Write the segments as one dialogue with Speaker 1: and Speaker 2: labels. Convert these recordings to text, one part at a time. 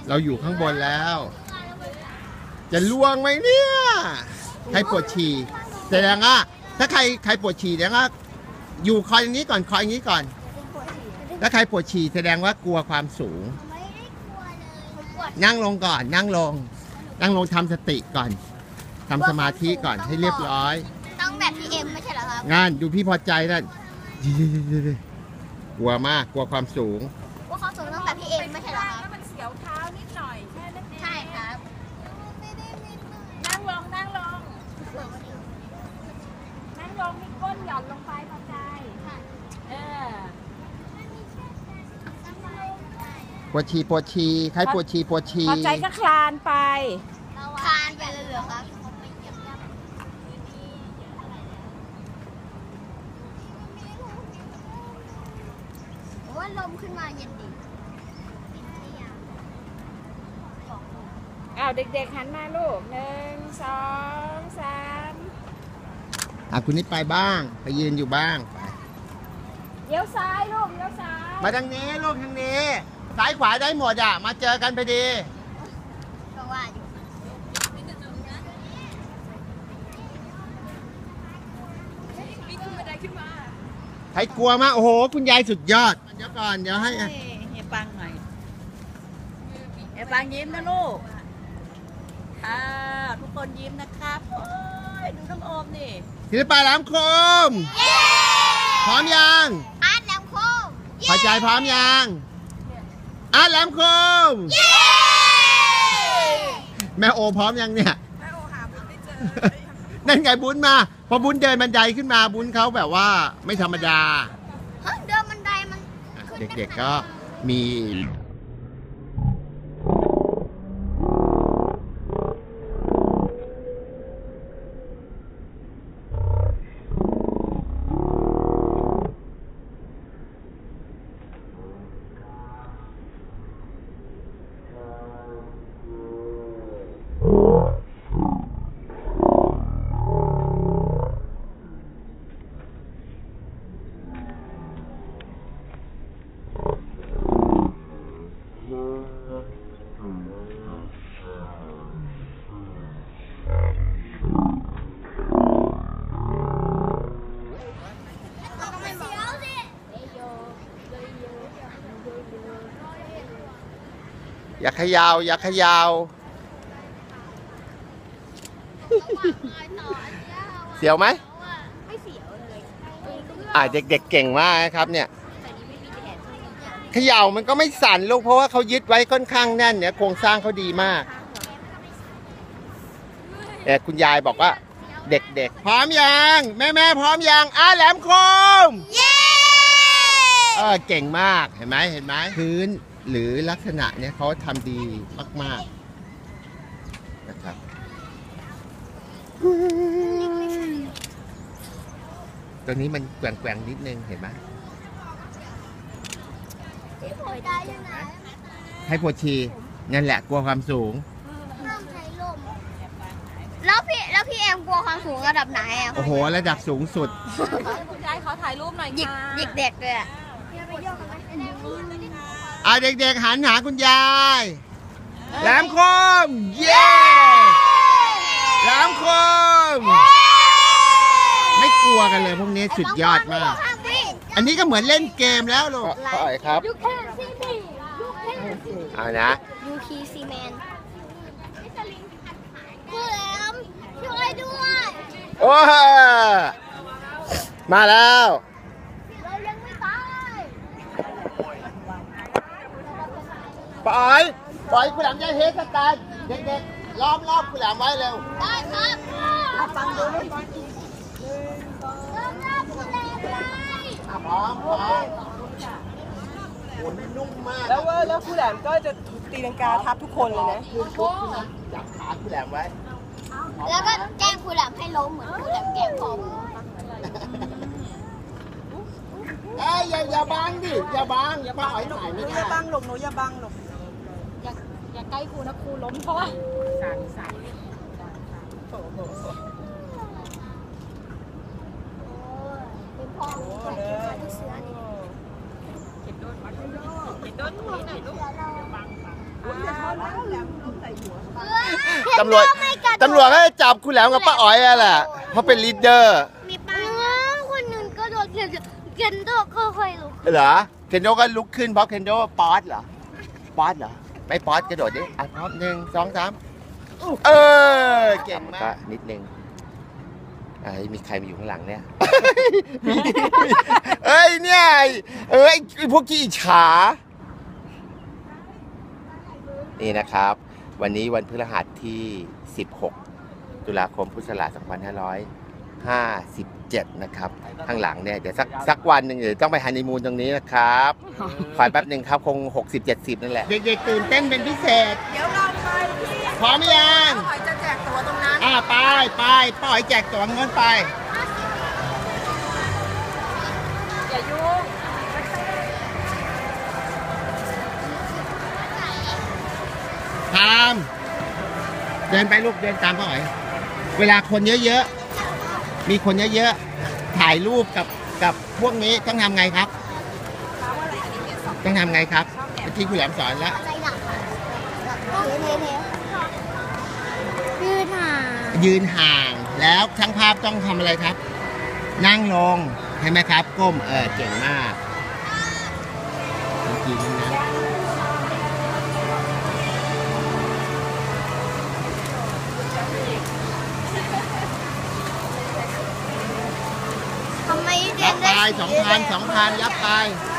Speaker 1: เราอยู่ข้างบนแล้ว จะล่วงไหมเนี่ยใครปวดฉี่แสดงว่าถ้าใครปวดฉี่แสดงว่าอยู่คอยอย่างนี้ก่อนคอยอย่างนี้ก่อนถ้าใครปวดฉี่แสดงว่ากลัวความสูงนั่งลงก่อนนั่งลงทำสติก่อนทำสมาธิก่อนให้เรียบร้อย
Speaker 2: ต้องแบบพี่เอ็มไม่ใช่เหรอครับ
Speaker 1: งานดูพี่พอใจนั่นกลัวมากกลัวความสูง
Speaker 2: ว่าเขาสูงต้องแบบพี่เอ็มไม่ใช่เหรอครับ
Speaker 3: มันเสียวเท้านิดหน่อยแค่นั้นเอง
Speaker 2: ใช่ครับ
Speaker 3: นั่งลงมีก้นหย่อนลงไปพอใจ
Speaker 1: ปวดฉี่ใครปวดฉี่
Speaker 3: พอใจก็คลานไป
Speaker 2: คานไปเลยเหรอครับว่าลมขึ้นมาเย็นดี
Speaker 3: เด็กๆหันมาลูก1 2 3
Speaker 1: คุณนิดไปบ้างไปยืนอยู่บ้าง
Speaker 3: เลี้ยวซ้ายลูกเลี้ยวซ้าย
Speaker 1: มาทางนี้ลูกทางนี้ซ้ายขวาได้หมดมาเจอกันพอดี
Speaker 2: ก็ว่าอยู่
Speaker 1: ใครกลัวมากโอ้โหคุณยายสุดยอดเดี๋ยวก่อนเดี๋ยวให้
Speaker 3: เฮียปังหน่อยเฮียปังยิ้มนะลูกทุกคนยิ้มนะครับโอ้ยดูน้องโอมนี่
Speaker 1: ศิลปะแหลมคมพร้อมยัง
Speaker 2: อาร์ตแหลมคม
Speaker 1: พอใจพร้อมยังอาร์ตแหลมคมแม่โอพร้อมยังเนี่ย
Speaker 3: แม่โอหาบุญไม่เจอ
Speaker 1: นั่นไงบุญมาพอบุญเดินบันไดขึ้นมาบุญเขาแบบว่าไม่ธรรมดา
Speaker 2: เดินบันไดมัน
Speaker 1: เด็กๆก็มีอย่าขยาวอย่าขยาวเสียวไหม
Speaker 2: ไม่เสียวเลย
Speaker 1: เด็กๆเก่งมากครับเนี่ยขยาวมันก็ไม่สั่นลูกเพราะว่าเขายึดไว้ค่อนข้างแน่นเนี่ยโครงสร้างเขาดีมากแต่คุณยายบอกว่าเด็กๆพร้อมยังแม่พร้อมยังแหลมคม
Speaker 2: เย้
Speaker 1: เก่งมากเห็นไหมพื้นหรือลักษณะเนี่ยเขาทำดีมากๆนะครับตัวนี้มันแกว่งนิดนึงเห็นไหมให้ปวดฉี่นั่นแหละกลัวความสูง
Speaker 2: แล้วพี่แอมกลัวความสูงระดับไหน
Speaker 1: โอ้โหระดับสูงสุด
Speaker 3: คุณยายขอถ่ายรูปหน่อยค่ะ
Speaker 2: เด็กเลย
Speaker 1: เด็กๆหันหาคุณยายแหลมคมเย้แหลมคมไม่กลัวกันเลยพวกนี้สุดยอดมากอันนี้ก็เหมือนเล่นเกมแล้วลูกครับเอานะ
Speaker 2: ยูคีซีแมนกูแหลมช่วยด้วย
Speaker 1: โอ้มาแล้วปล่อยคุณแหลมจะเฮสตาร์เด็กๆล้อมรอบคุณแหลมไว้เร็ว
Speaker 2: ได้ครับฟังดูเลยล้อมรอบคุณแหลมเลย
Speaker 1: พร้อมโอ้ยนุ่มมาก
Speaker 3: แล้วคุณแหลมก็จะตีลังกาทับทุกคนเลยนะ
Speaker 1: จับขาคุณแหลมไว้
Speaker 2: แล้วก็แกล้งคุณแหลมให้ล้มเหมือนคุณแหลมแกล้งผม
Speaker 1: อย่าบังดิอย่าบังป้าอ๋อยถ่ายไม่ได้
Speaker 3: อย่าบังหลบหนูอย่าบังหลบอย่าใกล้ครูนะครูล้มเพราะว่าสั่น
Speaker 2: เป็นพ่อเป็นเสือนี่
Speaker 3: เห็นโดนตรงนี้หน่อยลูกอย่าบัง
Speaker 1: ตำรวจก็จะจับคุณแหลมกับป้าอ๋อยแหละเพราะเป็นลีดเดอร์
Speaker 2: มีป้าคนหนึ่งก็โดนเคนโดก็ค่อยลุก
Speaker 1: เหรอเคนโดก็ลุกขึ้นเพราะเคนโดป๊อตเหรอป๊อตเหรอไม่ป๊อตกระโดดดิอ่ะพร้อม1 2 3เก่งมากนิดนึงมีใครมาอยู่ข้างหลังเนี่ยเนี่ยไอ้พวกขี้อิจฉานี่นะครับวันนี้วันพฤหัสที่16ตุลาคมพุทธศักราช2557นะครับข้างหลังเนี่ยเดี๋ยวสักวันหนึ่งเดี๋ยวต้องไปฮันนีมูนตรงนี้นะครับขอแป๊บหนึ่งครับคง60-70นั่นแหละเด็กๆตื่นเต้นเป็นพิเศษ
Speaker 3: เดี๋ยวเราไป
Speaker 1: พร้อมยัง
Speaker 3: หอยจะแจกตั๋วตรงนั้น
Speaker 1: ไปป้าหอยแจกตั๋วเงินไป
Speaker 3: อย่ายุ่ง
Speaker 1: ทามเดินไปลูกเดินตามป้าหอยเวลาคนเยอะๆมีคนเยอะๆถ่ายรูปกับพวกนี้ต้องทำไงครับต้องทำไงครับที่คุณแหลมสอนแล้วยืนห่างแล้วช่างภาพต้องทำอะไรครับนั่งลงใช่ไหมครับก้มเก่งมากจริงนะยับไป2,000ยับไป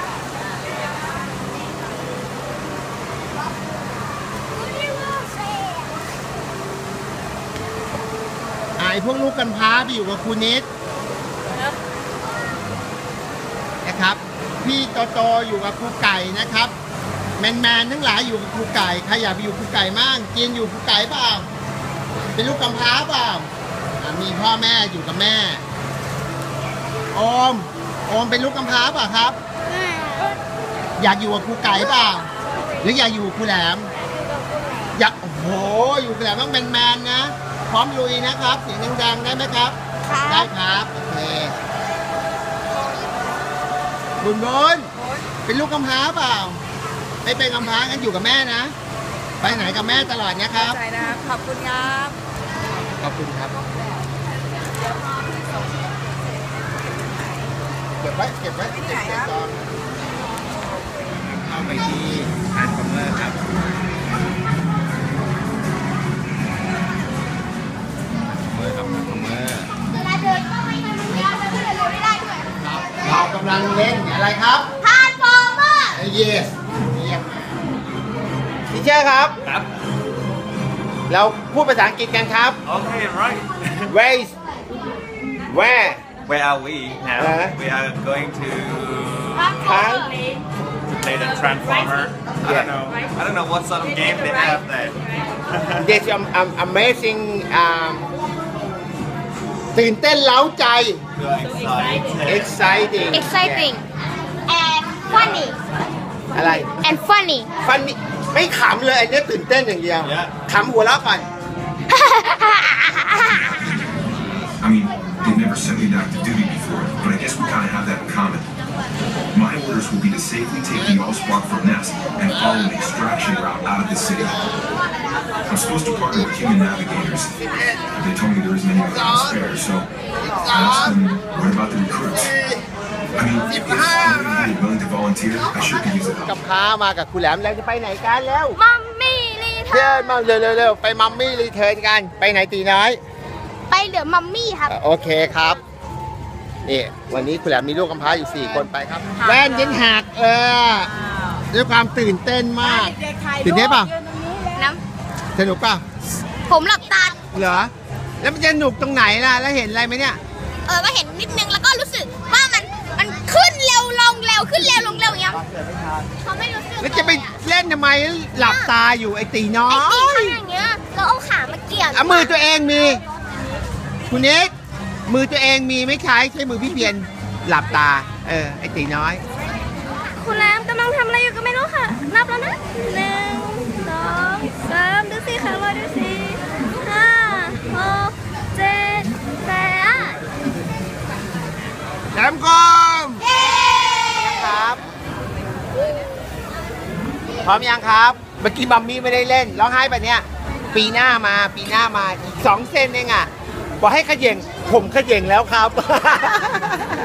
Speaker 1: ไอ้พวกลูกกันพร้าไปอยู่กับครูนิดนะครับพี่โตอยู่กับครูไก่นะครับแมนทั้งหลายอยู่กับครูไก่ใครอยากไปอยู่ครูไก่มั่งกินอยู่ครูไก่เปล่าเป็นลูกกำพร้าเปล่ามีพ่อแม่อยู่กับแม่โอมเป็นลูกกำพร้าเปล่าครับอยากอยู่กับครูไก่เปล่าหรืออยากอยู่กับครูแหลมอยากโอ้โหอยู่กับแหลมต้องแมนนะพร้อมลุยนะครับเสียงดังๆได้ไหมครับได้ครับโอเคบุญเป็นลูกกำพร้าเปล่าไม่เป็นกำพร้างั้นอยู่กับแม่นะไปไหนกับแม่ตลอดนะครับ
Speaker 3: ใจนะขอบคุณครับ
Speaker 1: ขอบคุณครับเก็บไว้เข้าไปที่ทานคอมเมอร์ครับเรากำลังเล่นอะไรครับทานฟอร์เมอร์yes ทีเชอร์ครับเราพูดภาษาอังกฤษกันครับ
Speaker 4: Okay, right.
Speaker 1: Where
Speaker 4: are we now? We are going to play the Transformer. I don't know what sort of game they have there.
Speaker 1: There's amazing ตื่นเต้นเล้าใจ exciting
Speaker 2: and funny
Speaker 1: อะไร
Speaker 2: and funny
Speaker 1: ไม่ขำเลยอันนี้ตื่นเต้นอย่างเดียวขำหัวเราะก่อน
Speaker 5: I mean, they never sent me back to duty before, but I guess we kind of have that in common. My orders will be to safely take the Allspark from Nest and follow an extraction route out of the city. I'm supposed to partner with human navigators. They told me there isn't anyone to spare, so I asked them, what about the recruits? I mean, if anybody is willing to volunteer, I sure could use it.
Speaker 1: กับพามากับคุณแหลมแล้วจะไปไหนกันแล้ว
Speaker 2: มัมมี่รีเทิร์น
Speaker 1: มาเร็วไปมัมมี่รีเทิร์นกันไปไหนตีน้อย
Speaker 2: ไปเหลือมัมมี่ครับ
Speaker 1: โอเคครับนี่วันนี้คุณแหลมมีลูกกำพร้าอยู่4คนไปครับแว่นยันหักด้วยความตื่นเต้นมากตื่นเต้นป่ะสนุกป่ะ
Speaker 2: ผมหลับตา
Speaker 1: เหรอแล้วมันจะสนุกตรงไหนล่ะแล้วเห็นอะไรไหมเนี่ย
Speaker 2: ก็เห็นนิดนึงแล้วก็รู้สึกว่ามันขึ้นเร็วลงเร็วขึ้นเร็วลงเร็วอย่างเงี้ยเขาไม่รู้สึก
Speaker 1: แล้วจะไปเล่นทำไมหลับตาอยู่ไอ้ตีน้อย
Speaker 2: ไอ้ตีอย่างเงี้ยเราเอาขามาเกี่ยว
Speaker 1: มือตัวเองมีคุณนิดมือตัวเองมีไม่ใช้มือพี่เพียรหลับตาไอ้ตีน้อย
Speaker 2: คุณแรมกำลังทำอะไรอยู่ก็ไม่รู้ค่ะนับแล้วนะ1 2 3ดูสิค่ะรอดูสิ5 6 7 8
Speaker 1: แหลมคมครับพร้อมยังครับเมื่อกี้มัมมี่ไม่ได้เล่นร้องไห้ปะเนี่ยปีหน้ามาอีก2 เซนเองอ่ะบอกให้ขย่งผมขย่งแล้วครับ